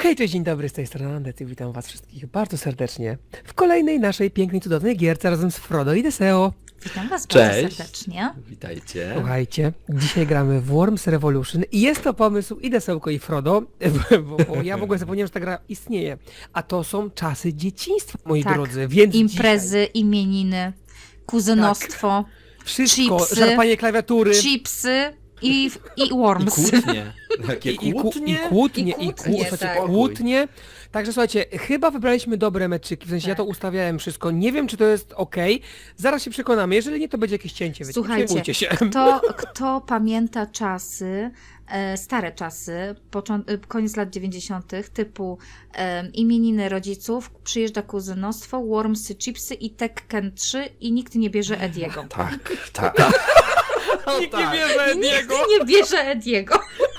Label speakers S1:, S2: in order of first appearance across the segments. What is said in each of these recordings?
S1: Hej, cześć, dzień dobry, z tej strony Andec i witam was wszystkich bardzo serdecznie w kolejnej naszej pięknej, cudownej gierce razem z Frodo i Deseo.
S2: Witam was
S3: Cześć.
S2: bardzo serdecznie.
S3: Witajcie.
S1: Słuchajcie, dzisiaj gramy w Worms Revolution i jest to pomysł i Desełko i Frodo, bo ja w ogóle zapomniałem, że ta gra istnieje. A to są czasy dzieciństwa, moi
S2: Tak.
S1: drodzy, więc
S2: Imprezy, imieniny, kuzynostwo,
S1: wszystko,
S2: chipsy,
S1: szarpanie klawiatury.
S2: chipsy i
S3: I
S2: worms.
S3: kłótnie. Jakie
S1: I
S3: kłótnie?
S1: kłótnie,
S2: kłótnie, tak.
S1: kłótnie. Także słuchajcie, chyba wybraliśmy dobre meczyki, w sensie ja to
S2: Tak.
S1: ustawiałem wszystko, nie wiem czy to jest ok, zaraz się przekonamy, jeżeli nie to będzie jakieś cięcie, wiecie,
S2: Słuchajcie,
S1: nie przejmujcie się.
S2: Kto pamięta czasy, stare czasy, koniec lat 90., typu imieniny rodziców, przyjeżdża kuzynostwo, wormsy, chipsy i Tekken 3 i nikt nie bierze Ediego.
S3: Tak, tak.
S1: Nikt nie bierze
S2: Nikt
S1: Ediego.
S2: nie bierze Ediego.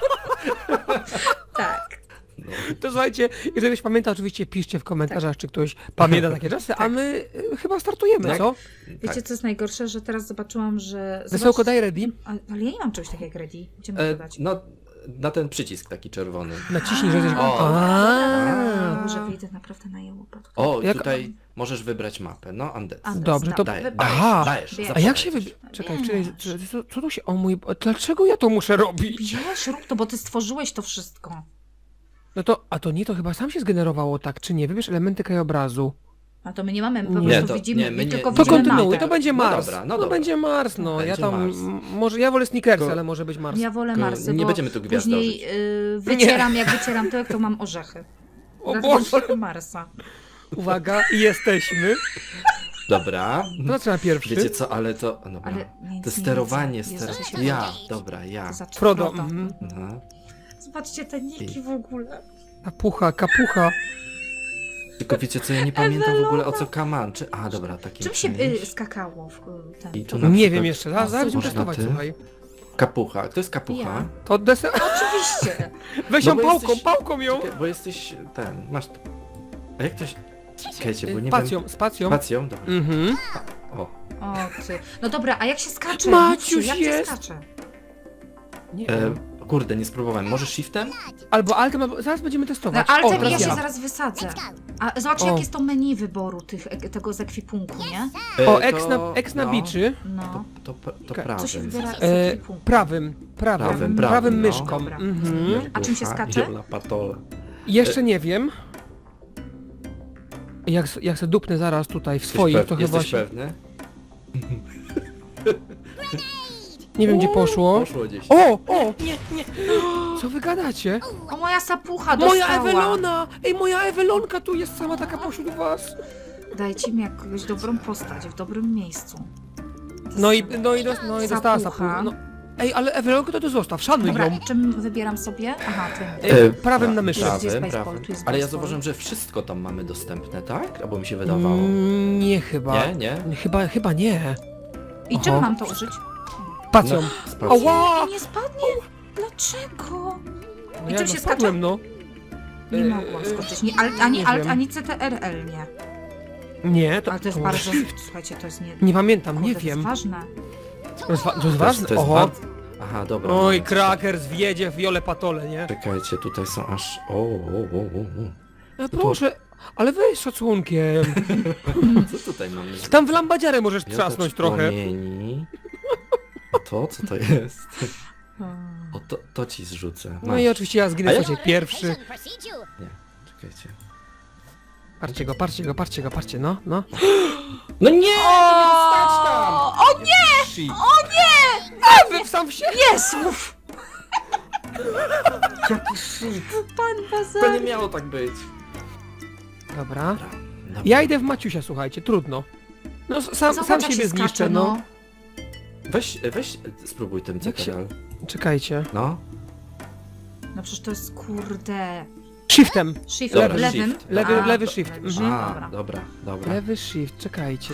S2: Tak.
S1: To słuchajcie, jeżeli ktoś pamięta, oczywiście piszcie w komentarzach, czy ktoś pamięta takie czasy, a my chyba startujemy,
S3: Tak.
S1: co?
S2: Wiecie, co jest najgorsze, że teraz zobaczyłam, że...
S1: Wesołko, daj ready.
S2: Ale ja nie mam czegoś takiego jak ready. Gdzie mam to dać?
S3: No, na ten przycisk taki czerwony.
S1: Naciśnij, że jesteś...
S3: O.
S1: A.
S2: Może wyjdę naprawdę na jełopa tutaj.
S3: O,
S1: Jak-
S3: tutaj możesz wybrać mapę. No, Andec.
S2: Andec.
S1: Dobrze, to...
S3: Dajesz,
S1: Aha.
S3: dajesz.
S2: A
S1: A jak się
S3: zapowiedz.
S1: wybiera? Czekaj,
S2: Wiesz.
S1: co tu się... O mój... Dlaczego ja to muszę robić?
S2: Wiesz, rób to, bo ty stworzyłeś to wszystko.
S1: No to... A to nie, to chyba sam się zgenerowało tak, czy nie? Wybierz elementy krajobrazu.
S2: A to my nie mamy, po
S1: Nie,
S2: prostu
S3: to-
S2: widzimy,
S3: nie, my
S2: my
S3: nie-
S2: tylko
S3: To
S1: To
S2: widzimy
S1: kontynuuj,
S2: mapę.
S1: to będzie
S3: No
S1: Mars.
S3: dobra, no
S1: No
S3: dobra.
S1: będzie Mars, no. Ja
S3: Będzie
S1: tam...
S3: Mars.
S1: Może ja wolę Snickersy,
S3: Tylko-
S1: ale może być Mars.
S2: Ja wolę
S3: Tylko
S2: Marsy,
S3: nie
S2: bo
S3: będziemy tu
S2: później
S3: gwiazdożyć.
S2: jak wycieram tyłek, to mam orzechy.
S1: O
S2: Dlatego
S1: Boże.
S2: wolę Marsa.
S1: Uwaga, i jesteśmy.
S3: Dobra.
S1: To zaczyna pierwszy.
S3: Wiecie co, ale to... Dobra.
S2: Ale nic
S3: To
S2: nie
S3: sterowanie,
S2: widzę. Jezu, się
S3: ja, dobra, ja.
S2: To znaczy
S1: Frodo.
S2: Frodo.
S1: Mhm.
S3: Mhm.
S2: Zobaczcie te niki w ogóle.
S1: Kapucha.
S3: Tylko wiecie co, ja nie pamiętam w ogóle o co kaman. Czy... A, dobra, taki
S2: Czym się
S3: czymś.
S2: skakało w ten?
S3: I tu na
S1: Nie
S3: przykład
S1: wiem jeszcze, zaraz będziemy
S3: można
S1: testować,
S3: tym?
S1: słuchaj.
S3: Kapucha. Kto jest kapucha?
S2: Ja.
S1: To Deseo...
S2: Oczywiście.
S1: Weź
S3: No
S1: ją
S3: bo
S1: pałką,
S3: jesteś-
S1: pałką ją!
S3: Czekaj, bo jesteś ten, masz... A jak to się... Czekajcie, bo nie
S1: Spacją,
S3: wiem...
S1: spacją.
S3: Spacją? Dobra.
S1: Mhm.
S3: O,
S2: O ty. No dobra, a jak się skacze?
S1: Maciuś
S2: Mówcie, jak
S1: jest.
S2: się skacze?
S1: Nie.
S3: kurde, nie spróbowałem. Może shiftem?
S1: Albo altem, albo... Zaraz będziemy
S2: No,
S1: testować.
S2: ale
S1: O,
S2: tak, ja
S1: teraz
S2: się
S1: ja.
S2: zaraz wysadzę. A zobaczcie,
S1: O.
S2: jak jest to menu wyboru tego z ekwipunku, nie?
S1: O,
S3: To-
S1: X na
S3: no,
S1: biczy.
S2: No.
S3: To
S1: Czekaj,
S3: prawym.
S2: Co się wybiera z
S1: E,
S2: ekwipunku?
S1: prawym
S3: Prawym, no.
S1: myszką.
S2: Dobra.
S1: Mhm.
S2: A czym się skacze?
S3: Jola Patola.
S1: Jeszcze nie wiem. Jak se dupnę zaraz tutaj w
S3: Jesteś
S1: swoich, to chyba
S3: Jesteś
S1: się...
S3: pewny?
S1: Nie wiem gdzie poszło.
S3: Poszło gdzieś.
S1: O! Nie. Co wy gadacie?
S2: O, moja sapucha dostała.
S1: Moja Ewelona! Ej, moja Ewelonka tu jest sama taka pośród was.
S2: Dajcie mi jakąś dobrą postać w dobrym miejscu.
S1: No i dostała
S2: Sapucha.
S1: sapucha. No. Ej, ale Ewelonkę to zostaw, szanuj
S2: Dobra,
S1: ją.
S2: czym wybieram sobie? Aha, tym.
S1: Prawym na myszy.
S2: Gdzie jest
S3: Prawym,
S2: baseball?
S3: prawym.
S2: Tu jest
S3: Ale ja
S2: baseball.
S3: zauważyłem, że wszystko tam mamy dostępne, tak? Albo mi się wydawało.
S1: Nie chyba.
S3: Nie?
S1: Chyba nie.
S2: I czym
S1: Oho.
S2: mam to użyć?
S1: Pacją.
S3: Sprawdź.
S1: Ała!
S2: I nie spadnie? Dlaczego?
S1: No
S2: I
S1: ja
S2: czym się
S1: spadłem, no.
S2: Nie
S1: E,
S2: mogłam skoczyć. Ani
S1: nie
S2: alt,
S1: wiem.
S2: ani CTRL nie.
S1: Nie, to...
S2: Ale to jest
S1: może
S2: bardzo...
S1: shift.
S2: Słuchajcie, to jest nie...
S1: Nie pamiętam,
S2: Kurde,
S1: nie
S2: to
S1: wiem.
S2: jest ważne.
S1: To jest ważne?
S3: To jest
S1: Oho.
S3: bardzo... Aha, dobra.
S1: Oj, Krakers wjedzie w Jole Patole, nie?
S3: Czekajcie, tutaj są aż... O.
S1: Proszę, ale weź szacunkiem.
S3: Co tutaj mamy?
S1: Tam w lambadziarę możesz
S3: Miotacz
S1: trzasnąć trochę.
S3: płomieni. A to? Co to jest? O, to ci zrzucę.
S1: No i oczywiście ja zginę
S3: A ja-
S1: słuchajcie, pierwszy.
S3: Nie, czekajcie.
S1: Patrzcie, no.
S3: No nie! Nie stać tam!
S2: O nie!
S3: Shit.
S1: Wy sam w siebie!
S2: Jesów!
S3: Jaki shit!
S2: Pan
S3: To
S2: Bazar!
S3: nie miało tak być.
S1: Dobra.
S3: Dobra.
S1: Ja idę w Maciusia, słuchajcie, trudno. No sam
S2: Zobacz, jak
S1: siebie
S2: się
S1: zniszczę,
S2: skacze,
S1: no.
S3: Weź, spróbuj tym
S1: Jak się-
S3: CTRL.
S1: Czekajcie.
S3: No.
S2: No przecież to jest kurde...
S1: Shiftem.
S2: Shift,
S3: Dobra,
S2: lewym?
S3: shift.
S1: Lewy
S2: A,
S1: shift.
S2: lewy
S1: Mhm.
S3: A, dobra.
S1: Lewy shift, czekajcie.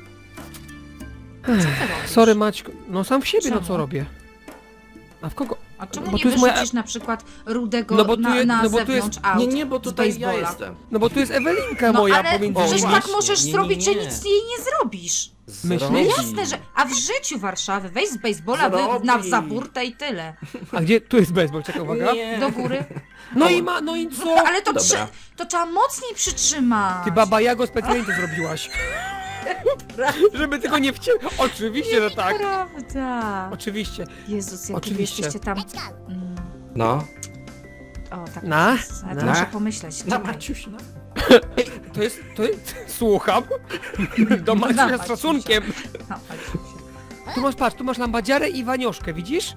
S2: Co ty robisz?
S1: Sorry Maćku. No sam w siebie, no co
S2: Czemu?
S1: robię? A w kogo?
S2: A czemu
S1: Bo
S2: nie
S1: tu jest moja-
S2: wyrzucisz na przykład rudego
S1: No bo tu
S2: na,
S1: jest-
S2: na
S1: no bo tu
S2: zewnątrz
S1: jest-
S2: aut
S3: Nie, bo
S2: z
S3: tutaj ja
S2: baseballa?
S3: jestem.
S1: No bo tu jest Ewelinka
S2: No
S1: moja
S2: ale
S1: pomiędzy
S2: przecież
S1: nimi.
S2: tak
S3: właśnie.
S2: możesz
S3: Nie,
S2: zrobić, że
S3: nie.
S2: nic jej nie zrobisz.
S1: Myślisz?
S3: Zrobi.
S2: Jasne, że... A w życiu Warszawy, weź z baseballa na
S3: Zrobi.
S2: za burtę i tyle.
S1: A gdzie? Tu jest baseball, czekaj, uwaga.
S3: Nie.
S2: Do góry.
S1: No i ma, no i co?
S2: Ale to,
S3: Dobra.
S2: to trzeba mocniej przytrzymać.
S1: Ty baba Jago specjalnie to zrobiłaś. Żeby tego nie wciąć. Oczywiście, że tak.
S2: Prawda.
S1: Oczywiście.
S2: Jezus, jak wy
S1: Oczywiście.
S2: jesteście tam... Mm,
S3: No.
S2: o, tak.
S1: Na?
S2: Ja
S1: Na?
S2: to muszę pomyśleć.
S3: Na
S2: Czekaj.
S3: Maciuś, no.
S1: To jest, słucham. Do
S2: Na
S1: Maciusia z
S2: Maciusia.
S1: szacunkiem.
S2: No, chodź.
S1: Tu masz, patrz, tu masz lambadziarę i wanioszkę, widzisz?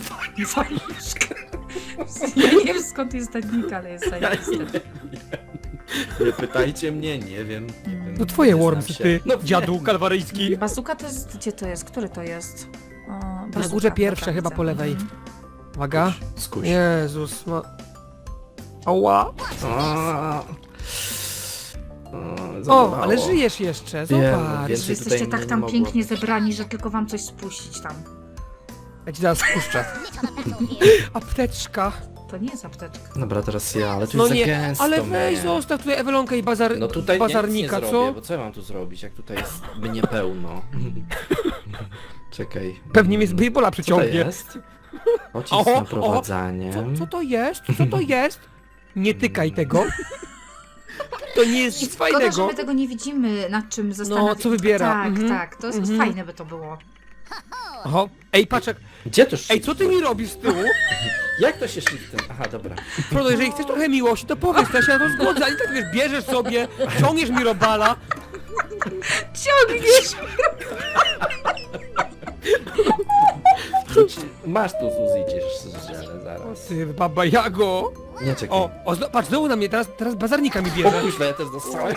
S2: Ja nie wiem skąd jest ta nika, ale jest zajebiste.
S3: Nie pytajcie mnie, nie wiem.
S1: To twoje
S3: Nie znam
S1: wormsy,
S3: się.
S1: ty,
S3: No
S1: dziadu
S3: wiem.
S1: kalwaryjski.
S2: Bazuka to jest... Gdzie to jest? Który to jest? O,
S1: Na
S2: bazuka,
S1: górze pierwsze,
S2: dobra,
S1: chyba
S2: widzę.
S1: po lewej.
S2: Mhm.
S1: Uwaga.
S3: Skuś.
S1: Jezus, ma... Ała. O, ale żyjesz jeszcze,
S3: Wiem,
S1: zobacz.
S3: więc-
S2: Że
S3: Tutaj
S2: jesteście
S3: mnie
S2: tak
S3: nie
S2: tam
S3: mogło
S2: pięknie
S3: być.
S2: zebrani, że tylko wam coś spuścić tam.
S1: Ja ci zaraz spuszczę. Apteczka.
S2: To nie jest apteczka.
S3: Dobra, teraz ja, ale tu
S1: No
S3: jest
S1: nie,
S3: za gęsto,
S1: ale weź
S3: nie.
S1: zostaw tutaj Ewelonkę i
S3: No tutaj
S1: bazarnika,
S3: nic nie
S1: co?
S3: zrobię, bo co ja mam tu zrobić, jak tutaj jest mnie pełno. Czekaj.
S1: Pewnie mnie z baseballa
S3: Co to
S1: przyciągnie.
S3: jest? Pocisk
S1: Oho,
S3: z
S1: oho.
S3: naprowadzaniem.
S1: Co to jest? Co to jest? Nie tykaj tego. To nie jest nic
S2: Szkoda, że
S1: fajnego.
S2: my tego nie widzimy, nad czym zastanawiać.
S1: co wybiera.
S2: Tak,
S1: Mhm.
S2: tak, to jest
S1: Mhm.
S2: fajne by to było.
S1: Oho. Ej, patrz,
S3: Gdzie to
S1: ej, co ty mi robisz z tyłu?
S3: Jak to się shiftem? Aha, dobra.
S1: Frodo, jeżeli chcesz trochę miłości, to powiedz, to ja się na to zgodzę, a nie tak wiesz, bierzesz sobie, ciągniesz mi robala.
S2: Ciągniesz!
S3: Masz tu Suzy, ciesz ale zaraz.
S1: Ty, baba Jago.
S3: Nie, czekaj.
S1: O, patrz, znowu na mnie, teraz bazarnika mi
S3: O
S1: bierze.
S3: kuźwa, ja też dostałem.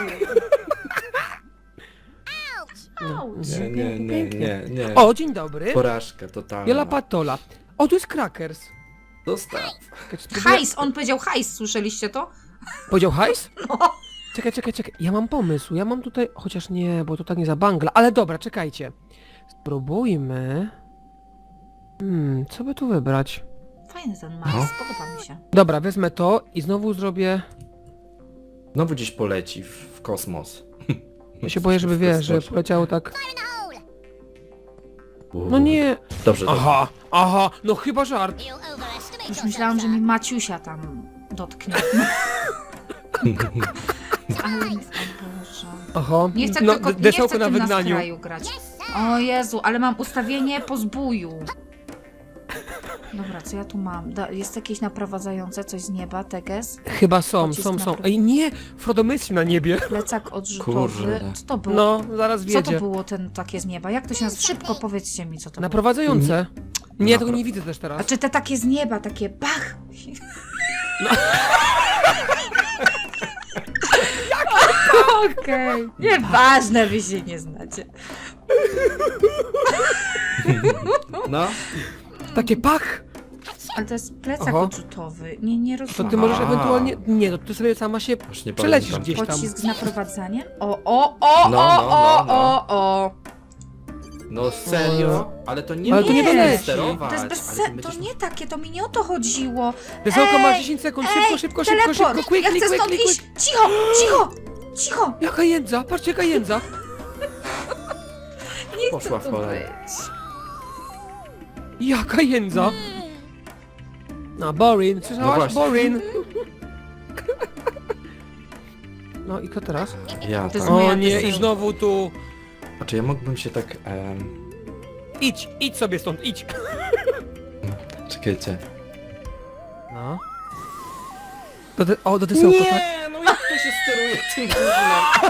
S2: Auć.
S3: Nie.
S1: O, dzień dobry.
S3: Porażka totalna.
S1: Jola Patola. O, tu jest Crackers.
S3: Dostaw.
S1: Czekaj, spróbuję-
S2: Hajs, on powiedział hajs, słyszeliście to?
S1: Powiedział hajs?
S2: No.
S1: Czekaj. Ja mam pomysł. Ja mam tutaj... Chociaż nie, bo to tak nie za bangla. Ale dobra, czekajcie. Spróbujmy... co by tu wybrać?
S2: Fajny ten Mars,
S3: No.
S2: podoba mi się.
S1: Dobra, wezmę to i znowu zrobię...
S3: Znowu gdzieś poleci w kosmos.
S1: Ja się boję, żeby wiesz, że
S3: kosmosie.
S1: poleciało tak... No nie...
S3: Dobrze,
S1: Aha, no chyba żart.
S2: Już myślałam, że mi Maciusia tam dotknie. Ale, o Boże.
S1: Aha,
S2: Nie chcę
S1: no,
S2: tylko, nie chcę
S1: desełko na
S2: tym
S1: wygnaniu.
S2: nastroju grać. O Jezu, ale mam ustawienie po zbóju. Dobra, co ja tu mam? Jest jakieś naprowadzające coś z nieba, teges?
S1: Chyba są.
S2: Pocisk na-
S1: Ej, nie! Frodo myśli na niebie.
S2: Plecak odrzutowy.
S3: Kurde.
S2: Co to było?
S1: No, zaraz
S2: Co to
S1: wiedzie.
S2: było ten takie z nieba? Jak to się nazywa? Szybko powiedzcie mi, co to było.
S1: Naprowadzające. Nie, ja tego
S3: Napra-
S1: nie widzę też
S2: A
S1: teraz.
S2: czy te takie z nieba, takie bach? Okej. Nieważne, wy się nie znacie.
S3: No,
S1: Takie pach!
S2: Ale to jest plecak
S1: Oho.
S2: odrzutowy. Nie
S1: To
S2: rozumiem.
S1: ty możesz
S3: Aha.
S1: ewentualnie... Nie, to ty sobie sama się
S3: już nie
S1: przelecisz
S3: pamiętam.
S1: gdzieś tam.
S2: Pocisk z naprowadzaniem? O.
S3: No serio? Ale to nie
S1: Ale to nie
S3: można
S1: doleci.
S3: sterować,
S2: To jest bez
S3: ale
S2: sensu,
S3: ty
S2: to
S3: będziesz-
S2: nie takie, to mi nie o to chodziło.
S1: Desełko, masz
S2: Ej,
S1: 10 sekund,
S2: ej,
S1: szybko,
S2: teleport.
S1: quick,
S2: Ja chcę stąd iść. Cicho.
S1: Jaka jędza, patrzcie jaka jędza.
S2: Nie
S3: Poszła
S2: chcę
S3: w
S2: tu
S3: pole.
S2: być.
S1: Jaka jędza. No, boring,
S3: No
S1: słyszałaś?
S3: właśnie.
S1: Boring. No i co teraz?
S3: Ja
S2: To
S3: tak.
S2: jest
S1: O
S2: moja
S1: nie, i
S2: desełka.
S1: znowu tu...
S3: A czy ja mógłbym się tak...
S1: Idź sobie stąd, idź.
S3: Czekajcie.
S1: No. Do desełka, tak?
S3: Nie, no jak to się steruje tym gównem?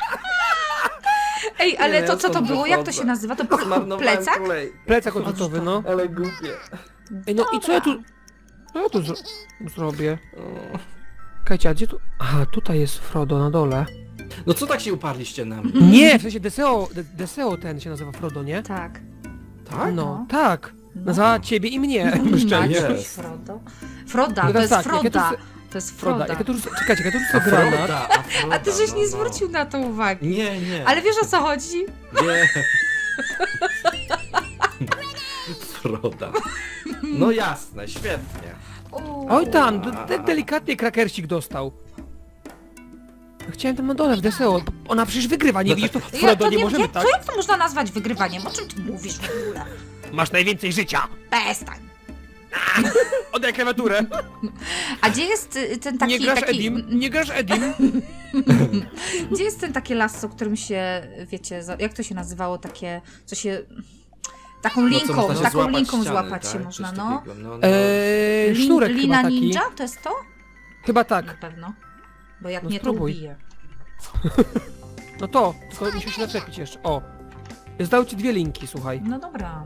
S2: Ej, ale
S3: Nie,
S2: to
S3: ja
S2: co to
S3: stąd
S2: było? Jak to
S3: wychodzę.
S2: się nazywa? To
S3: Zmarnowałem
S2: plecak?
S3: kolej.
S1: Plecak odrzutowy, no.
S3: Ale głupie.
S1: Ej, no i co ja tu... Co ja tu zrobię? Kajcie, a gdzie tu... Aha, tutaj jest Frodo na dole.
S3: No co tak się uparliście na mnie?
S1: Nie, w sensie Deseo ten się nazywa Frodo, nie?
S2: Tak.
S3: Tak?
S1: No, tak.
S2: No.
S1: Za ciebie i mnie, szczęście.
S2: Maciuś,
S3: Jest.
S2: Frodo. Froda,
S1: No
S2: to jest
S1: tak, jak ja tu
S2: Froda.
S1: se-
S2: To jest
S1: Froda,
S2: Froda.
S1: jak ja tu... Czekajcie, jak ja tu
S3: A
S1: rzucę granat...
S3: Froda,
S2: A ty żeś
S3: no,
S2: nie
S3: no.
S2: zwrócił na to uwagi.
S3: Nie.
S2: Ale wiesz o co chodzi?
S3: Nie. Froda. No jasne, świetnie.
S1: Oj tam, tak delikatnie krakersik dostał. Chciałem tam na dole w Deseo. Ona przecież wygrywa, nie
S3: No
S1: widzisz? To
S3: tak.
S1: Frodo, nie możemy tak.
S2: Jak to można nazwać wygrywaniem? O czym ty mówisz w ogóle?
S1: Masz najwięcej życia.
S2: Przestań.
S1: Oddaj klawiaturę.
S2: A gdzie jest ten taki...
S1: Nie grasz
S2: taki
S1: Edim. Nie grasz Edim.
S2: Gdzie jest ten takie lasso, którym się, wiecie, jak to się nazywało, takie, co się... Taką linką,
S3: można się
S2: taką
S3: złapać
S2: linką
S3: ściany,
S2: złapać
S3: tak?
S2: się
S3: Coś
S2: można, no.
S3: takiego, no.
S1: Sznurek
S2: Lina
S1: chyba taki.
S2: ninja? To jest to?
S1: Chyba
S2: Na
S1: tak.
S2: pewno. Bo jak
S1: No
S2: nie,
S1: spróbuj.
S2: to ubiję.
S1: No to, tylko musisz się zaczepić jeszcze. O. Zdał ci 2 linki, słuchaj.
S2: No dobra.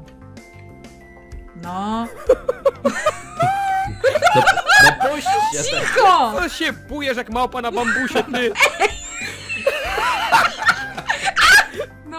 S2: No.
S3: No puśćcie te.
S2: Cicho!
S1: Co się bujesz jak małpa na bambusie, ty?
S2: No.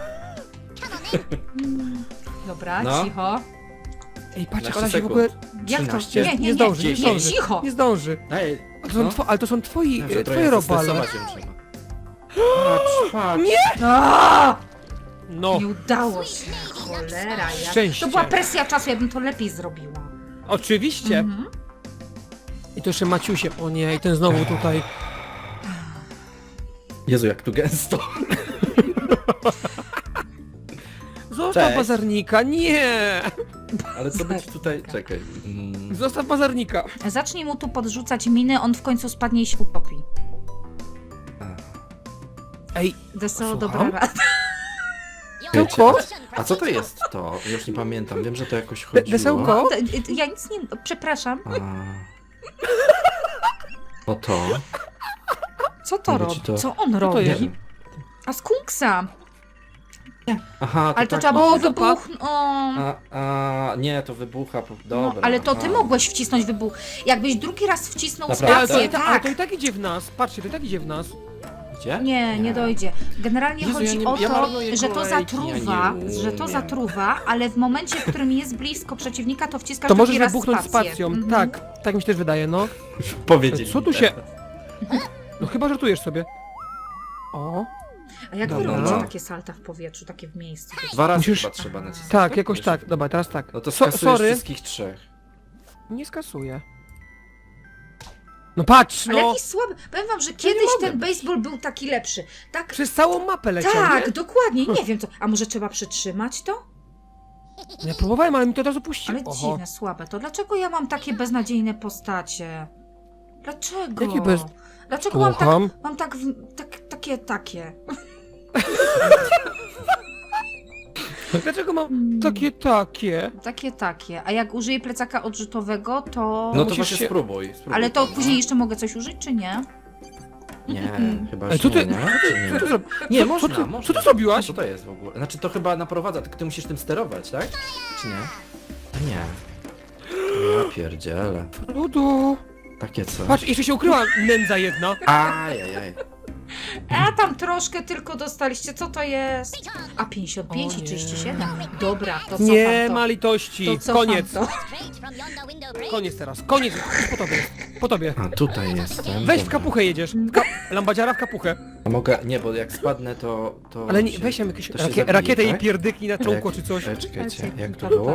S2: Dobra,
S3: No.
S2: cicho.
S1: Ej, patrz, jak
S3: 15
S1: ona się w ogóle...
S2: Jak to?
S3: 13.
S1: Nie zdąży, nie
S3: nie,
S1: zdąży.
S2: cicho.
S1: Nie zdąży.
S3: Daj,
S1: Ale to są twoi,
S3: Dobrze, trochę
S1: twoje robale.
S3: zestresować ją trzeba. Patrz, patrz.
S1: Nie!
S2: Aaaa!
S1: No,
S2: Nie udało się. Cholera.
S1: Szczęście.
S2: To była presja czasu, ja bym to lepiej zrobiła.
S1: oczywiście.
S2: Mhm.
S1: I to jeszcze Maciusie. O nie, i ten znowu tutaj.
S3: Jezu, jak tu gęsto.
S1: Zostaw
S3: Cześć.
S1: bazarnika, nie!
S3: Ale co być tutaj... Czekaj.
S1: Zostaw bazarnika.
S2: Zacznij mu tu podrzucać miny, on w końcu spadnie i się utopi.
S1: Ej,
S2: Deseo,
S1: Słucham?
S2: dobra rada.
S1: Desełko?
S3: A co to jest to? Już nie pamiętam. Wiem, że to jakoś chodziło.
S1: Desełko?
S2: Ja nic nie... Przepraszam.
S3: A... O to?
S2: Co to
S3: Mówię
S2: robi?
S3: ci to-
S2: Co on
S1: to
S2: robi?
S1: jest?
S2: A skunksa!
S3: Aha,
S2: Ale to
S3: tak.
S2: trzeba było
S1: Zupa.
S2: wybuchnąć.
S3: Nie, to wybucha.
S2: No,
S3: Dobra.
S2: ale to ty
S3: aha.
S2: mogłeś wcisnąć wybuch. Jakbyś drugi raz wcisnął
S3: Naprawdę?
S1: Ale
S2: spację,
S1: ale
S2: tak.
S1: to i tak idzie w nas. Patrzcie, to i tak idzie w nas.
S3: Gdzie?
S2: Nie dojdzie. Generalnie
S3: Jezu,
S2: chodzi
S3: ja nie-
S2: o
S3: ja
S2: to,
S3: marnuję
S2: że to
S3: kolejki,
S2: zatruwa,
S3: ja nie
S2: że to
S3: umiem.
S2: zatruwa, ale w momencie, w którym jest blisko przeciwnika, to wciskasz
S1: To
S2: drugi
S1: możesz
S2: raz
S1: wybuchnąć
S2: spację.
S1: spacją.
S2: Mhm.
S1: Tak mi się też wydaje, no.
S3: Powiedzieli
S1: Co
S3: mi
S1: tu się...
S3: teraz.
S1: No chyba żartujesz sobie. O.
S2: A jak wy
S1: Dobra.
S2: robicie takie salta w powietrzu, takie w miejscu?
S3: 2 razy
S1: Musisz-
S3: chyba trzeba nacisnąć.
S1: Tak, jakoś
S3: Wiesz?
S1: tak. Dobra, teraz tak.
S3: No to
S1: So,
S3: skasujesz
S1: sorry,
S3: wszystkich 3.
S1: nie skasuję. No patrz,
S2: Ale
S1: no!
S2: jakiś słaby. Powiem wam, że kiedyś
S1: mogę.
S2: ten baseball był taki lepszy. Tak,
S1: Przez całą mapę leciał,
S2: tak,
S1: nie?
S2: dokładnie. Nie wiem co. A może trzeba przytrzymać to?
S1: Ja próbowałem, ale mi to od razu puściło.
S2: Ale dziwne, słabe to. Dlaczego ja mam takie beznadziejne postacie? Dlaczego?
S1: Jakie bez-
S2: Dlaczego mam tak,
S1: Słucham?
S2: mam tak, takie?
S1: Dlaczego mam takie?
S2: Takie. A jak użyję plecaka odrzutowego, to...
S3: No to
S1: musisz
S3: właśnie
S1: się-
S3: spróbuj.
S2: Ale to
S3: no.
S2: później jeszcze mogę coś użyć, czy nie?
S3: Nie, chyba
S1: Ej,
S3: już
S1: co ty-
S3: nie, Czy
S1: Co ty, zrob...
S3: Nie,
S1: co,
S3: można,
S1: co,
S3: można.
S1: co ty zrobiłaś?
S3: Co to jest w ogóle? Znaczy to chyba naprowadza, tylko ty musisz tym sterować, tak? Czy nie? Nie. Ja pierdzielę.
S1: Ludu.
S3: Takie co?
S1: Patrz, jeszcze się ukryła nędza jedna.
S3: Ajajaj.
S2: A tam troszkę tylko dostaliście, co to jest? A 55
S1: O
S2: i
S1: nie.
S2: 37. Dobra, to cofam
S1: Nie
S2: to.
S1: ma litości.
S2: To cofam
S1: Koniec.
S2: to.
S1: Koniec teraz. Koniec. Po tobie. Po tobie.
S3: A tutaj jestem.
S1: Weź w
S3: Dobra.
S1: kapuchę jedziesz. Lambadziara w kapuchę.
S3: A mogę, nie, bo jak spadnę to...
S1: Ale nie,
S3: się-
S1: weź tam jakieś
S3: to się zabije,
S1: rakietę i
S3: tak?
S1: pierdyknij na czółko czy coś.
S3: Czekajcie, jak to było?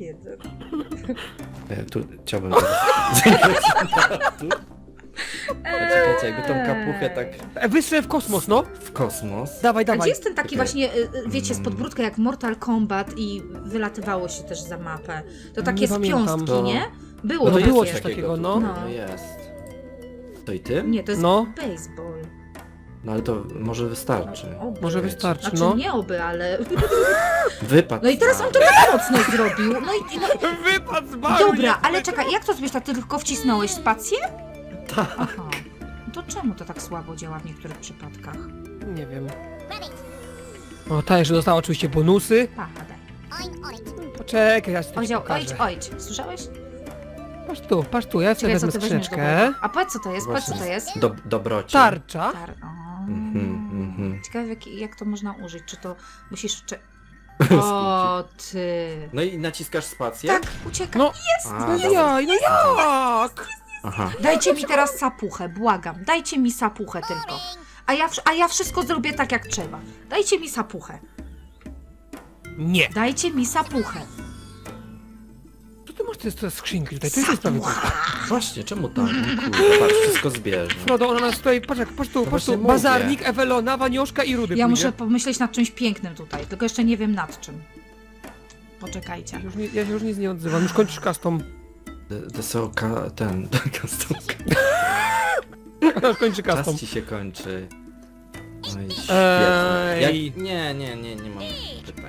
S3: Tu chciałbym... Tu? Czekajcie, jakby tą kapuchę tak
S1: Wystrzel w kosmos, no.
S3: w kosmos.
S1: Dawaj,
S2: A gdzie
S1: dawaj.
S2: jest ten taki
S3: Czekaj.
S2: właśnie, wiecie, z podbródka jak Mortal Kombat i wylatywało się też za mapę? To takie
S1: Nie
S2: z
S1: pamiętam.
S2: piąstki,
S3: To-
S2: nie? Było
S1: No to
S2: takie.
S1: było coś takiego, no.
S2: No.
S3: To jest. To i ty?
S2: Nie, to jest
S1: No.
S2: baseball.
S3: No ale to może wystarczy.
S2: Oby.
S1: Może wystarczy,
S2: Znaczy
S1: no.
S2: nie oby, ale...
S3: Wypadł.
S2: No i teraz on to tak mocno zrobił. No i... No...
S1: Wypad z baru,
S2: Dobra,
S1: nie?
S2: ale czekaj, jak to zrobisz? To ty tylko wcisnąłeś spację?
S3: Tak.
S2: Aha. To czemu to tak słabo działa w niektórych przypadkach?
S1: Nie wiem. O, ta jeszcze dostała oczywiście bonusy.
S2: Pachadę.
S1: Poczekaj, ja ci
S2: Odzieł,
S1: pokażę.
S2: ojdź. Słyszałeś?
S1: Patrz tu, ja sobie
S2: Ciekawe, co
S1: wezmę
S2: ty weźmiesz do
S1: skrzyneczkę.
S2: wody. A powiedz co to jest, powiedz co to jest.
S3: Dobroci.
S1: Tarcza.
S3: Mhm.
S2: Ciekawe jak to można użyć, czy to musisz... Czy...
S3: Skupić.
S2: O ty...
S3: No i naciskasz spację?
S2: Tak, uciekaj.
S1: No,
S3: A,
S1: no
S3: dobra.
S1: jaj, no jak?
S3: Aha.
S2: Dajcie mi teraz sapuchę, błagam. Dajcie mi sapuchę tylko. A ja wszystko zrobię tak jak trzeba. Dajcie mi sapuchę.
S1: Nie.
S2: Dajcie mi sapuchę.
S1: Co ty masz te skrzynki tutaj? To jest sprawy.
S3: Właśnie, czemu tam? Kurde, patrz, wszystko zbierze.
S1: Frodo, ona nas tutaj, patrz, patrz tu,
S3: właśnie mówię.
S1: bazarnik, Ewelona, Wanioszka i Rudy
S2: Ja
S1: pójdzie.
S2: muszę pomyśleć nad czymś pięknym tutaj, tylko jeszcze nie wiem nad czym. Poczekajcie.
S1: Ja się już nic nie odzywam, już kończysz custom.
S3: Desełka, ten, custom.
S1: Ona już kończy
S3: Czas
S1: custom.
S3: ci się kończy. No i świetnie.
S1: Ej.
S3: Nie mam pytań.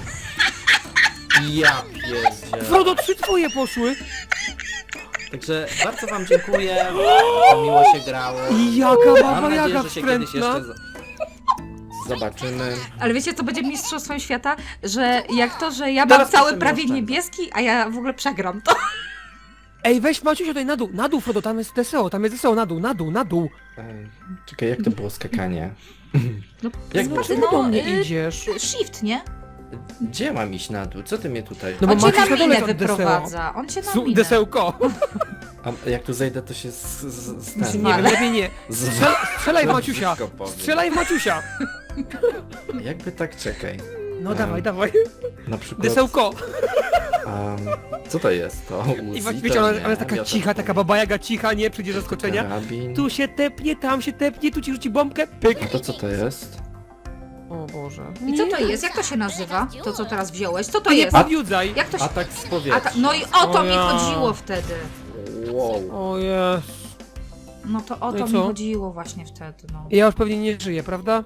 S3: Ja pierdzielę.
S1: Frodo, 3 twoje poszły!
S3: Także bardzo wam dziękuję. Miło się grało.
S1: I jaka
S3: Mam
S1: baba
S3: nadzieję,
S1: Jaga
S3: że się kiedyś
S1: wstrętna!
S3: jeszcze zobaczymy.
S2: Ale wiecie, co będzie mistrzostwem świata? Że jak to, że ja mam
S3: Teraz
S2: cały
S3: musimy
S2: prawie
S3: oszczędzać.
S2: niebieski, a ja w ogóle przegram to.
S1: Ej, weź Maciusia tutaj na dół Frodo, tam jest Deseo, na dół.
S3: Czekaj, jak to było skakanie?
S2: No,
S3: Jak
S2: no,
S3: masz
S1: Czemu do mnie
S2: y,
S1: idziesz?
S2: Shift, nie?
S3: Gdzie mam iść na dół? Co ty mnie tutaj...
S1: No bo
S2: On cię
S1: Maciuś
S2: na
S1: na dole
S2: minę
S1: jest od Deseo.
S2: wyprowadza. On cię na minę.
S1: Desełko.
S3: A jak tu zejdę, to się
S1: Nie wiem, lepiej nie. Strzelaj w Maciusia!
S3: Brzydko powiem.
S1: Strzelaj w Maciusia!
S3: Jakby tak, czekaj.
S1: No dawaj, dawaj.
S3: Na przykład...
S1: Desełko!
S3: co to jest? To
S1: I
S3: Uzi?
S1: właśnie, wiecie,
S3: To
S1: ona
S3: nie,
S1: jest taka
S3: miotacz
S1: cicha, taka
S3: powiem.
S1: baba Jaga cicha, nie przyjdzie zaskoczenia.
S3: Karabin.
S1: Tu się tepnie, tam się tepnie, tu ci rzuci bombkę, pyk.
S3: A to co to jest?
S1: O Boże.
S2: I co to jest? Jak to się nazywa? To, co teraz wziąłeś? Co to
S1: Ty nie
S2: jest?
S1: podjudzaj!
S2: Jak to się...
S3: Atak z powietrza.
S2: No i o to
S1: O
S2: mi
S1: ja.
S2: chodziło wtedy.
S3: Wow.
S1: O jest.
S2: No to o
S1: No i
S2: to mi
S1: co?
S2: chodziło właśnie wtedy, no.
S1: Ja już pewnie nie żyję, prawda?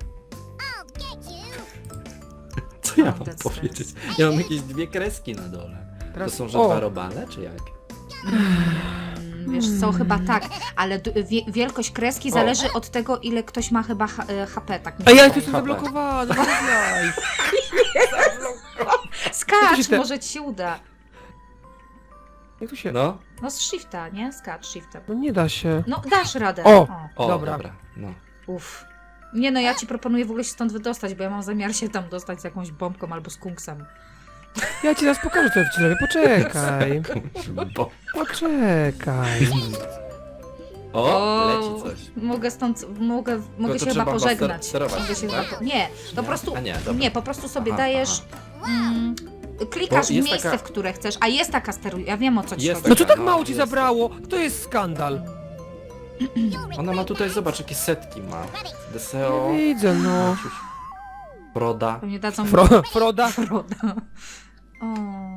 S3: Co ja mam
S2: That's
S3: powiedzieć? Ja mam jakieś 2 kreski na dole.
S1: Teraz...
S3: To są, że
S1: o,
S3: 2 robale, czy jak?
S2: Wiesz co, chyba tak, ale wielkość kreski zależy od tego, ile ktoś ma chyba HP, tak mi
S1: A
S2: się
S1: ja
S2: wydaje.
S1: tu jestem zablokowany, no jaj.
S2: Skacz,
S1: Jak to się
S2: może ci się uda.
S1: Jak tu się...
S3: No?
S2: No z shifta, nie? Skacz shiftem.
S1: No nie da się.
S2: No dasz radę.
S1: O!
S3: O,
S1: Dobra.
S3: dobra. No.
S2: Uff. Nie no, ja ci proponuję w ogóle się stąd wydostać, bo ja mam zamiar się tam dostać z jakąś bombką albo z kunksem.
S1: Ja ci teraz pokażę, co ja ci robię, poczekaj.
S3: Bo...
S1: Poczekaj.
S3: O, leci coś.
S2: Mogę stąd, mogę
S3: to
S2: się chyba
S3: trzeba
S2: pożegnać.
S3: sterować,
S2: Mogę się
S3: tak?
S2: chyba nie, po prostu,
S3: A nie, dobra.
S2: nie, po prostu sobie
S3: Aha,
S2: dajesz, klikasz w
S3: Bo jest
S2: miejsce,
S3: taka-
S2: w które chcesz, a jest taka steruj, ja wiem o co ci
S3: Jest
S2: chodzi.
S1: No co tak
S3: No,
S1: mało ci
S3: jest.
S1: zabrało? To jest skandal.
S3: Ona ma tutaj, zobacz, jakie setki ma. Deseo.
S1: Widzę, no.
S3: Maciuś, Broda.
S2: Pewnie dadzą mi
S1: Froda.
S2: Froda. O.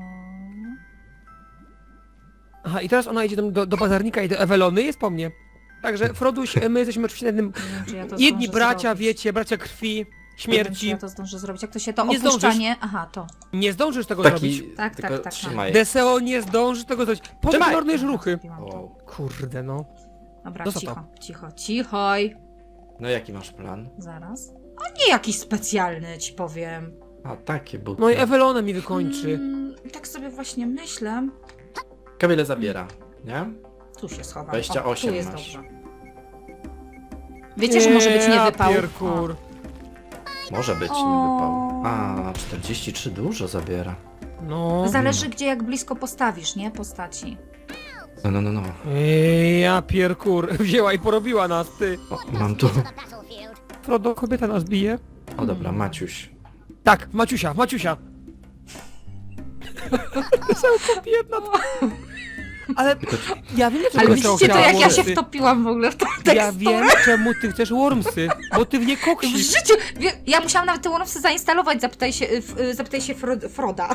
S1: Aha, i teraz ona idzie tam do bazarnika i do Ewelony, jest po mnie. Także Froduś, my jesteśmy oczywiście na jednym...
S2: Nie wiem, czy ja to
S1: Jedni
S2: zdążę
S1: bracia,
S2: zrobić.
S1: wiecie, bracia krwi,
S2: Nie wiem, czy
S1: śmierci.
S2: ja to zdążę zrobić. Jak to się to
S1: Nie zdążysz.
S2: opuszczanie? Aha, to.
S1: Nie zdążysz tego zrobić.
S3: Taki,
S2: Tak,
S3: tylko
S2: tak.
S3: trzymaj.
S1: Deseo nie zdąży tego zrobić. Podmarnujesz ruchy.
S2: Zrobiłam to.
S3: Wow.
S1: Kurde, no.
S2: Dobra,
S1: No co
S2: cicho,
S1: to?
S2: cicho, cichoj.
S3: No jaki masz plan?
S2: Zaraz. A nie jakiś specjalny, ci powiem.
S3: A, takie buty.
S1: No i Ewelona mi wykończy.
S2: Tak sobie właśnie myślę.
S3: Kamilę zabiera, nie?
S2: Tu się schowam.
S3: 28
S2: tu jest
S3: masz.
S2: dobrze. Wiecie, że może być nie wypał?
S1: Pierkur.
S3: Może być, nie wypał. A, 43 dużo zabiera.
S1: No.
S2: Zależy gdzie, jak blisko postawisz, nie? Postaci.
S3: No.
S1: Ja pierkur. Wzięła i porobiła nas, ty.
S3: O, mam tu.
S1: Frodo, kobieta nas bije.
S3: O dobra, Maciuś.
S1: Tak, Maciusia, Maciusia. Wesołko biedna. Ale ja wiem, dlaczego
S2: Ale
S1: Wesoło
S2: widzicie to,
S1: chciała
S2: jak ja się
S1: wormsy.
S2: wtopiłam w ogóle w tą
S1: Ja
S2: teksturę?
S1: wiem, czemu ty chcesz wormsy, bo ty w nie
S2: W
S1: koksisz.
S2: życiu! Ja musiałam nawet te Wormsy zainstalować, zapytaj się Froda.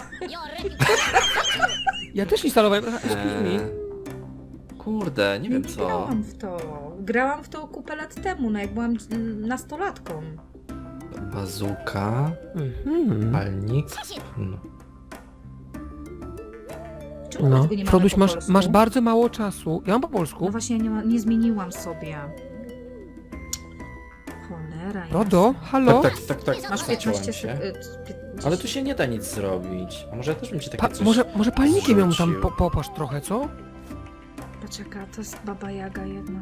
S1: Ja też instalowałem. Excuse me.
S3: Kurde, nie wiem co.
S2: Grałam w to. Grałam w to kupę lat temu, no jak byłam nastolatką.
S3: Bazuka,
S1: Mhm.
S3: palnik. No.
S2: Czemu
S1: No,
S2: tego nie mamy
S1: Froduś,
S2: po
S1: masz,
S2: polsku?
S1: masz bardzo mało czasu. Ja mam po polsku.
S2: No właśnie, nie zmieniłam sobie. Cholera.
S1: Frodo,
S2: jasna.
S1: halo?
S3: Tak.
S2: Masz 15
S3: zaciąłem się.
S2: sekund.
S3: Ale tu się nie da nic zrobić. A może ja też bym ci takie coś...
S1: Może palnikiem ją tam
S3: zrzucił.
S1: popasz trochę, co?
S2: Poczekaj, to jest Baba Jaga jedna.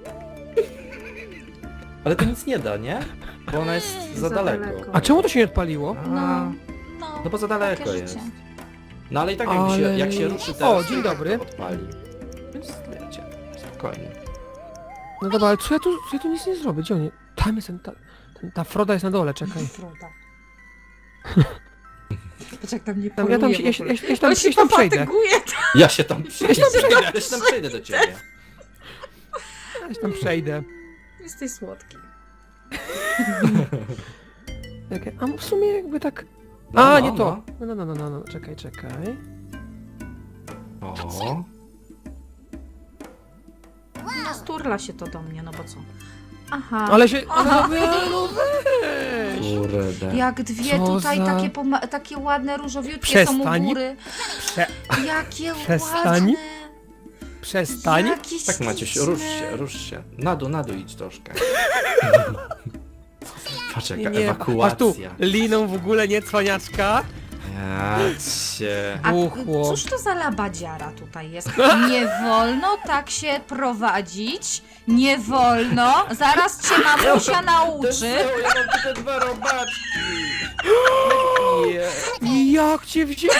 S3: Ale to nic nie da, nie? Bo ona jest za
S2: Za
S3: daleko.
S2: daleko.
S1: A czemu to się nie odpaliło?
S2: No,
S3: No bo za daleko
S2: takie
S3: jest.
S2: życie.
S3: No ale i tak
S1: Ale-
S3: jak się ruszy
S1: O,
S3: teraz,
S1: dzień
S3: to tak
S1: dobry.
S3: to odpali. Więc wiecie, spokojnie.
S1: No dobra, ale co ja tu nic nie zrobię? Gdzie oni? Tam jest ta Froda jest na dole, czekaj.
S2: Froda. Patrz jak tam nie
S1: Tam, ja tam,
S2: poluje
S1: się-
S2: w ogóle.
S1: ja tam,
S2: On się
S1: ja tam przejdę.
S2: pofatyguje.
S3: Ja się tam przejdę.
S1: przejdę.
S3: Ja się tam przejdę do ciebie.
S1: Ja się tam przejdę.
S2: Jesteś słodki.
S1: Czekaj, a w sumie jakby tak...
S3: No,
S1: A,
S3: no,
S1: nie to. No, czekaj.
S3: O.
S2: No sturla się to do mnie, no bo co? Aha.
S1: Ale się...
S2: Aha.
S1: No weź!
S3: Kurde.
S2: Jak dwie
S1: Co
S2: tutaj
S1: za-
S2: takie ładne różowiutkie są u
S1: Przestań.
S2: góry.
S1: Prze...
S2: Jakie
S1: Przestań.
S2: ładne.
S1: Przestań.
S2: Jakie
S3: Tak Maciuś,
S2: śliczne.
S3: rusz się. Na dół idź troszkę. Patrz jaka
S1: Masz tu
S3: ewakuacja.
S1: liną w ogóle, nie cwaniaczka.
S3: Ja cię.
S2: A
S1: Buchło.
S2: cóż to za labadziara tutaj jest? Nie wolno tak się prowadzić. Nie wolno. Zaraz cię mamusia nauczy.
S3: Ja mam tylko 2 robaczki. Nie.
S1: Jak cię wziąłem?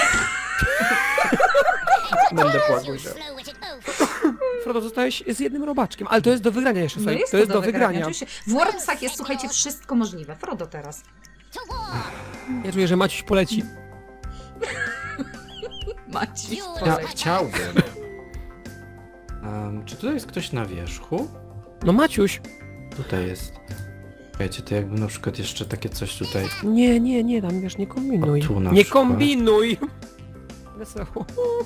S3: Będę płakuś.
S1: Frodo, zostałeś z jednym robaczkiem, ale to jest do wygrania jeszcze,
S2: No
S1: słuchaj.
S2: jest
S1: to jest do wygrania.
S2: Oczywiście. W Wormsach jest, słuchajcie, wszystko możliwe. Frodo teraz.
S1: Ja czuję, że Maciuś poleci.
S2: Maciej.
S3: Ja chciałbym. Czy tutaj jest ktoś na wierzchu?
S1: No Maciuś.
S3: Tutaj jest. Wiecie, to jakby na przykład jeszcze takie coś tutaj.
S1: Nie, tam wiesz, nie kombinuj.
S3: O, tu na
S1: Nie
S3: przykład.
S1: kombinuj! Wesoło.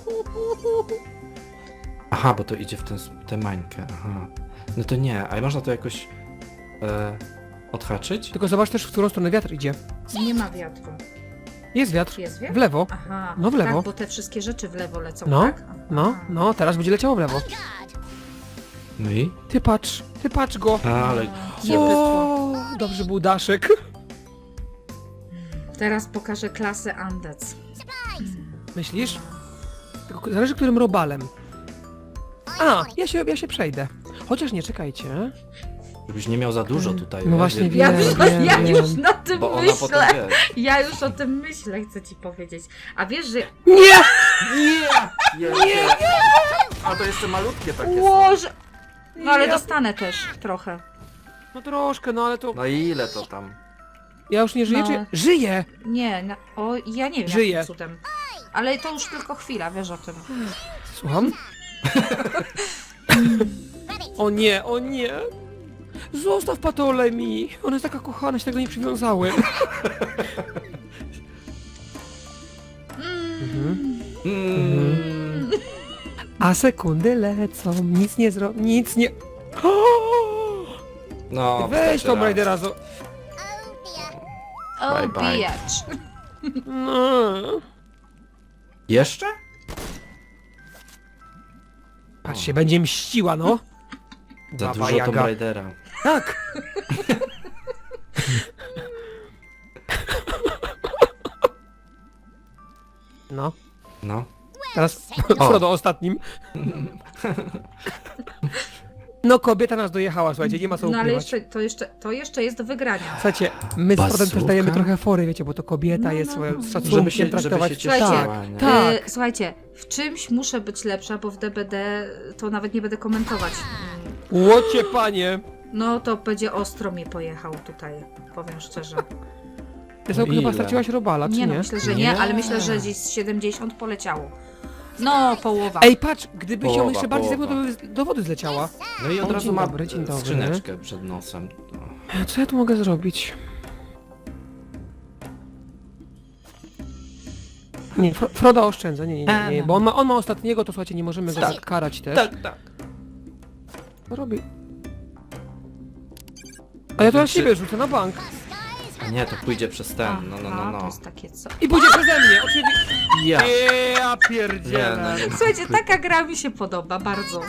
S3: Aha, bo to idzie w tę mańkę. Aha. No to nie, a można to jakoś odhaczyć?
S1: Tylko zobacz też, w którą stronę wiatr idzie.
S2: Nie ma wiatru.
S1: Jest wiatr.
S2: Jest wiatr?
S1: W lewo.
S2: Aha.
S1: No w lewo.
S2: Tak, bo te wszystkie rzeczy w lewo lecą,
S1: No,
S2: tak? Aha.
S1: no, teraz będzie leciało w lewo.
S3: No i?
S1: Ty patrz go.
S3: Ale
S2: Nie bydło.
S1: Dobrze był daszek.
S2: Teraz pokażę klasę Andec.
S1: Myślisz? Tylko zależy, którym robalem. A, ja się przejdę. Chociaż nie, czekajcie.
S3: żebyś nie miał za dużo tutaj.
S1: No
S3: wiesz,
S1: właśnie
S3: wielki-
S1: wiem,
S2: Ja
S1: wiem.
S2: już na tym
S3: Bo ona potem
S2: myślę.
S3: wie.
S2: Ja już o tym myślę, chcę ci powiedzieć. A wiesz, że...
S1: Nie!
S3: Nie! A to jeszcze malutkie takie są.
S2: Łoże... No ale
S1: Ja-
S2: dostanę też trochę.
S1: No troszkę, no ale to...
S3: No i ile to tam?
S1: Ja już nie żyję,
S2: No.
S1: czy... Żyję!
S2: Nie, o, ja nie wiem
S1: Żyję.
S2: jakim cudem. Ale to już tylko chwila, wiesz o tym.
S1: Słucham? O nie, o nie! Zostaw Patolę mi! Ona jest taka kochana, się tego nie przywiązałem. A sekundy lecą, nic nie nic nie...
S3: No,
S1: Weź
S3: wystarczy
S1: Tomb
S3: raz.
S1: Raidera
S2: O,
S3: Bye, bye.
S2: bijacz.
S1: No.
S3: Jeszcze?
S1: Patrz się, będzie mściła, no.
S3: Za
S1: Baba
S3: dużo Tomb
S1: Jaga.
S3: Raidera.
S1: Tak! No,
S3: No.
S1: teraz Frodo ostatnim. No kobieta nas dojechała, słuchajcie, nie ma co
S2: No ale
S1: ukrywać.
S2: to jeszcze jest do wygrania.
S1: Słuchajcie, my z Frodem też
S3: Bazooka?
S1: dajemy trochę fory, wiecie, bo to kobieta
S2: No,
S1: jest
S2: no, no.
S1: z
S3: Żeby
S1: szacunkiem
S3: się
S1: traktować.
S3: cieszyła,
S2: Słuchajcie,
S3: nie?
S1: Tak.
S2: Słuchajcie, w czymś muszę być lepsza, bo w DBD to nawet nie będę komentować.
S1: Łocie panie!
S2: No to będzie ostro mi pojechał tutaj, powiem szczerze.
S1: Ty sobie chyba
S3: Ile?
S1: straciłaś robala, czy
S2: Nie
S1: nie?
S2: no, myślę, że nie,
S3: Nie.
S2: ale myślę, że gdzieś z 70 poleciało. No, połowa.
S1: Ej, patrz, gdyby się
S3: Połowa,
S1: jeszcze bardziej
S3: połowa.
S1: zajmował, to by do wody zleciała.
S3: No i od
S1: O,
S3: razu
S1: dzień
S3: ma
S1: dobry, dzień dobry.
S3: skrzyneczkę przed nosem. No.
S1: Co ja tu mogę zrobić? Nie, Froda oszczędza, nie, bo on ma ostatniego, to słuchajcie, nie możemy go
S3: Tak.
S1: tak karać też.
S3: tak.
S1: Co robi? A ja to na siebie rzucę, na bank.
S3: A nie, to pójdzie przez ten.
S2: Aha, to
S3: No.
S2: jest takie co.
S1: I pójdzie przeze mnie, oczywiście.
S3: Ja.
S1: Ja pierdzielę.
S3: Nie, no.
S2: Słuchajcie, taka gra mi się podoba bardzo.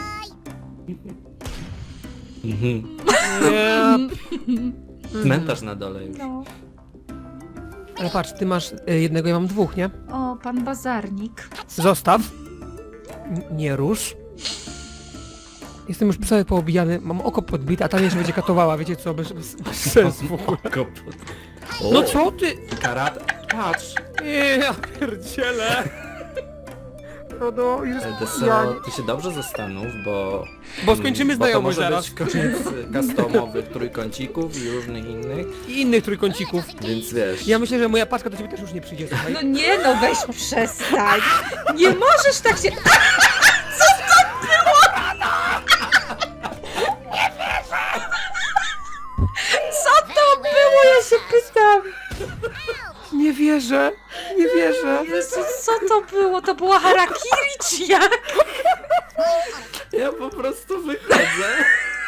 S3: Mhm.
S1: Ja...
S3: Cmentarz na dole już.
S2: No.
S1: Ale patrz, ty masz jednego, ja mam dwóch, nie?
S2: O, pan bazarnik.
S1: Zostaw. Nie rusz. Jestem już cały poobijany, mam oko podbite, a ta jeszcze będzie katowała, wiecie co, bez sensu w ogóle.
S3: Kopot.
S1: No co ty?
S3: Karat. Patrz.
S1: Ja pierdzielę. Frodo. Jest...
S3: Deseo, ty się dobrze zastanów, bo...
S1: Bo skończymy
S3: bo to
S1: znajomość
S3: może
S1: zaraz.
S3: być koniec customowych trójkącików i różnych innych,
S1: I innych trójkącików.
S3: więc wiesz...
S1: Ja myślę, że moja paczka do ciebie też już nie przyjdzie, słuchaj.
S2: No nie, no weź przestań. Nie możesz tak się... Co to było? Ja się pytam.
S1: Nie wierzę, nie wierzę.
S2: Jezu, co to było? To była harakiri czy jak?
S3: Ja po prostu wychodzę.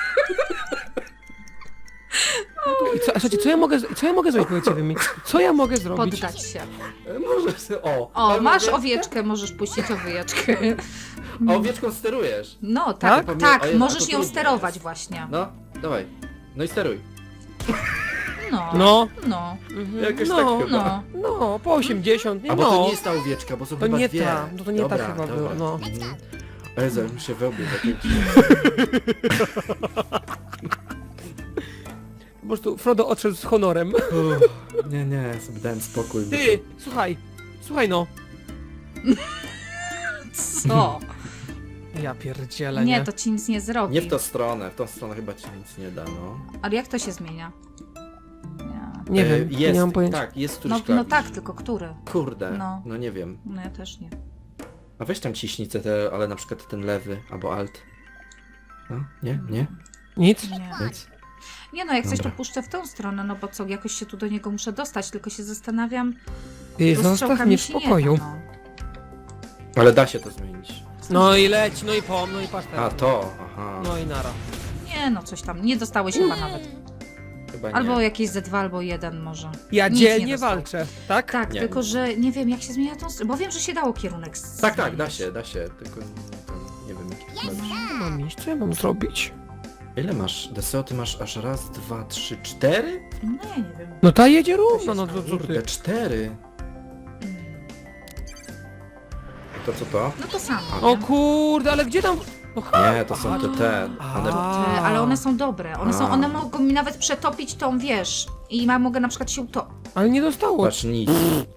S1: I co, słuchajcie, co ja mogę zrobić, powiedzcie wy mi? Co ja mogę zrobić?
S2: Poddać się.
S3: Może sobie...
S2: O, masz
S3: owieczkę?
S2: owieczkę, możesz puścić owieczkę.
S3: A owieczką sterujesz.
S2: No tak,
S1: Tak?
S2: tak,
S3: O Jezu,
S2: możesz
S3: to
S2: ją
S3: trudne
S2: sterować
S3: jest.
S2: właśnie.
S3: No, dawaj. No i steruj.
S2: No,
S1: No.
S2: no,
S3: Jakoś
S1: no,
S3: tak chyba.
S1: no, po 80, nie,
S3: A bo
S1: no.
S3: to nie jest ta owieczka, bo są
S1: To
S3: chyba
S1: nie
S3: dwie.
S1: ta, no to nie ta
S3: Dobra,
S1: chyba
S3: dobra.
S1: była, no.
S3: Mhm. O Jezu, jak mi się wełbie zakręcił.
S1: Po prostu Frodo odszedł z honorem.
S3: Nie, nie, sobie dałem spokój.
S1: Ty, słuchaj no.
S2: co?
S1: Ja pierdzielę, nie?
S2: Nie, to ci nic nie zrobi.
S3: Nie w tą stronę chyba ci nic nie da, no.
S2: Ale jak to się zmienia? Nie.
S1: Nie wiem,
S3: jest,
S1: nie mam pojęcia.
S3: tak, jest
S2: No,
S3: któryś
S2: no
S3: klawisz.
S2: tak, tylko który?
S3: Kurde,
S2: No.
S3: no nie wiem.
S2: No ja też nie.
S3: A weź tam ciśnicę, ale na przykład ten lewy, albo alt. No, nie, nie,
S1: Nic?
S2: Nie.
S3: nic.
S2: Nie no, jak coś to
S3: Dobra.
S2: puszczę w tą stronę, no bo co, jakoś się tu do niego muszę dostać, tylko się zastanawiam...
S1: Ty,
S2: bo
S1: zostaw
S2: strzałkami
S1: mnie w
S2: się nie
S1: spokoju.
S2: da,
S3: Ale da się to zmienić.
S1: No i leć, no i no i patrz
S3: A
S1: teraz.
S3: to, aha.
S1: No i nara.
S2: Nie no, coś tam, nie dostałeś chyba nawet.
S3: Chyba nie.
S2: Albo jakieś Z2, albo 1 może.
S1: Ja
S2: Nic nie
S1: dzielnie
S2: dostał.
S1: walczę, tak?
S2: Tak,
S3: Nie.
S2: tylko że nie wiem jak się zmienia tą stronę, bo wiem, że się dało kierunek
S3: Tak,
S2: zmienić.
S3: da się, tylko nie wiem jaki to jest.
S1: Nie mam iść, co ja mam zrobić?
S3: Ile masz? Deseo, ty masz aż raz, dwa, trzy, cztery?
S2: No ja nie wiem.
S1: No ta jedzie równo, no to co
S3: Kurde,
S1: ty?
S3: cztery. To co to?
S2: No to samo.
S1: O
S2: nie?
S1: kurde, ale gdzie tam? No,
S3: Nie, to są te. One...
S2: Ale one są dobre. One mogą mi nawet przetopić tą, wiesz. I mogę na przykład się to.
S1: Ale nie dostało.
S3: Patrz, nic.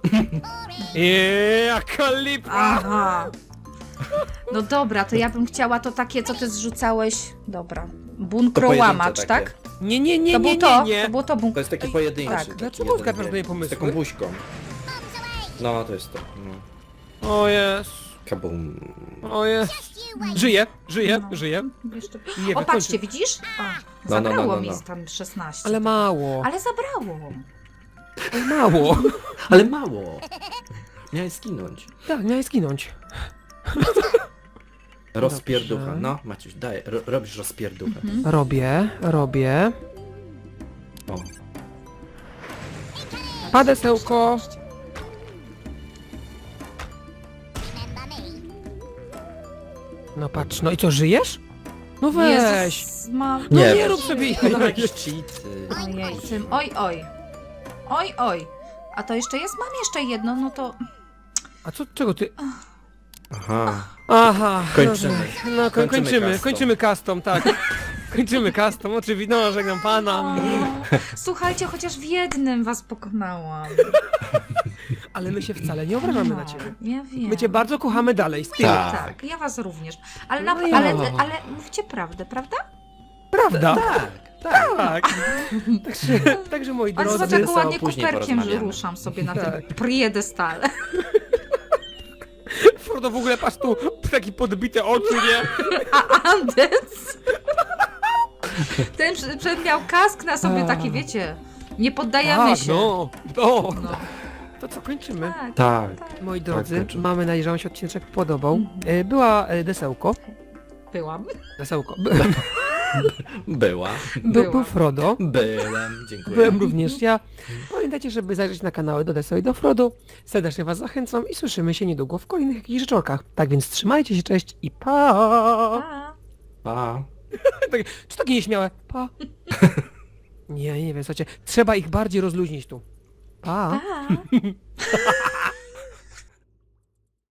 S1: Jaka lipa!
S2: Aha. No dobra, to ja bym chciała to takie, co ty zrzucałeś. Dobra. Bunkrołamacz,
S3: To
S2: tak?
S1: Nie, nie, nie,
S2: To
S1: nie,
S2: było to.
S1: nie, nie.
S2: To było to
S3: To jest taki pojedynczy.
S2: tak.
S3: taki
S1: Dlaczego
S3: jeden,
S1: zgadzasz
S3: wie,
S1: moje
S3: Z
S1: pomysły?
S3: taką buźką. No, to jest to. No.
S1: O jest.
S3: Kabum.
S1: O jest. Żyję.
S2: Jeszcze...
S1: Nie,
S2: O,
S1: wykończy-
S2: patrzcie, widzisz? A,
S3: No,
S2: zabrało
S3: no.
S2: mi tam 16.
S1: Ale mało.
S2: Ale zabrało.
S1: Ale mało.
S3: Ale mało. Miałeś skinąć.
S1: Tak, miałeś zginąć.
S3: Rozpierducha.
S1: Dobrze.
S3: No, Maciuś, daj. Robisz rozpierduchę.
S1: Robię.
S3: O.
S1: Padesełko. No patrz, no i co, żyjesz? No weź.
S2: Jezus, mam...
S1: No
S3: Nie,
S1: nie rób sobie
S3: No jakieś cheaty.
S2: Ojej, tym... Oj, oj. Oj, oj. A to jeszcze jest? Mam jeszcze jedno, no to...
S1: A co, czego ty?
S3: Aha.
S1: Aha.
S3: Kończymy.
S1: No, kończymy,
S3: custom.
S1: kończymy custom, tak. Kończymy custom, oczywiście, no, żegnam pana.
S2: Słuchajcie, chociaż w jednym was pokonałam.
S1: Ale my się wcale nie obrażamy na ciebie.
S2: Ja wiem.
S1: My cię bardzo kochamy dalej, z tyłu.
S3: Tak.
S2: Tak, ja was również. Ale,
S1: No
S2: na,
S1: ja.
S2: ale mówcie prawdę, prawda?
S1: Prawda?
S3: Tak, tak.
S1: Tak. Także moi
S2: Ale zobacz,
S1: drodzy,
S2: jak ładnie
S3: później
S2: kuperkiem
S3: porozmawiamy.
S2: ruszam sobie na
S1: Tak.
S2: tym priedestale.
S1: Frodo w ogóle patrz tu, taki podbite oczu, nie?
S2: A Andes? Ten miał kask na sobie taki, wiecie, nie poddajemy
S1: Tak,
S2: się.
S1: no.
S2: No.
S1: To co, kończymy?
S2: Tak.
S3: Tak.
S1: Moi drodzy,
S3: kończymy.
S1: mamy nadzieję, że wam się odcinek podobał. Była Desełko.
S2: Byłam.
S1: Desełko.
S3: Była.
S1: Był Frodo.
S3: Byłem. Dziękuję.
S1: Byłem również ja. Pamiętajcie, żeby zajrzeć na kanały do Deseo i do Frodo. Serdecznie was zachęcam i słyszymy się niedługo w kolejnych jakichś rzeczorkach. Tak więc trzymajcie się, cześć i pa!
S2: Pa.
S3: Pa.
S1: Czy takie nieśmiałe? Pa! Nie wiem, słuchajcie, trzeba ich bardziej rozluźnić tu. Pa!
S2: Pa.